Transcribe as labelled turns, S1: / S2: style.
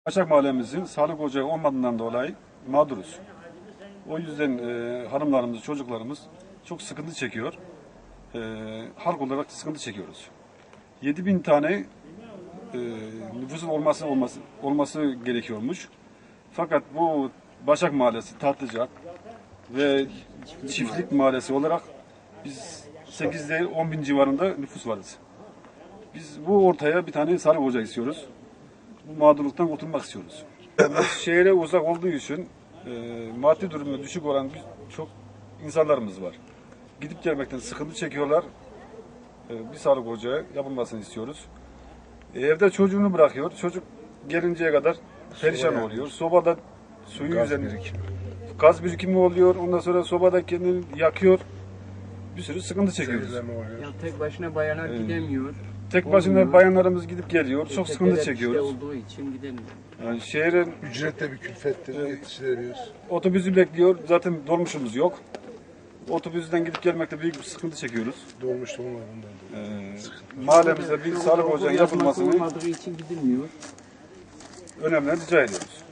S1: Başak Mahallemizin sağlık ocağı olmadığından dolayı mağduruz. O yüzden hanımlarımız, çocuklarımız çok sıkıntı çekiyor. Halk olarak sıkıntı çekiyoruz. 7.000 tane nüfusun olması gerekiyormuş. Fakat bu Başak Mahallesi, Tatlıcak ve Çiftlik Mahallesi olarak biz 8 değil 10.000 civarında nüfus varız. Biz bu ortaya bir tane sağlık ocağı istiyoruz. Bu mağdurluktan kurtulmak istiyoruz. Biz şehre uzak olduğu için maddi durumu düşük olan çok insanlarımız var. Gidip gelmekten sıkıntı çekiyorlar. Bir sağlık ocağı yapılmasını istiyoruz. Evde çocuğunu bırakıyor. Çocuk gelinceye kadar perişan oluyor. Sobada suyu üzerinde gaz birikimi oluyor. Ondan sonra sobada kendini yakıyor. Bir sürü sıkıntı çekiyoruz.
S2: Ya tek başına bayanlar gidemiyor.
S1: Tek başına bayanlarımız gidip geliyor. Çok sıkıntı çekiyoruz.
S2: Olduğu için gidemiyor.
S1: Yani şehrin
S3: Ücret de bir külfettir, yetiştiremiyoruz.
S1: otobüsü bekliyor. Zaten dolmuşumuz yok. Otobüsten gidip gelmekte büyük bir sıkıntı çekiyoruz.
S3: Dolmuş da onlardan.
S1: Mahallemizde bir sağlık ocağı yapılmasını
S2: olmadığı için gidilmiyor.
S1: önemli rica ediyoruz.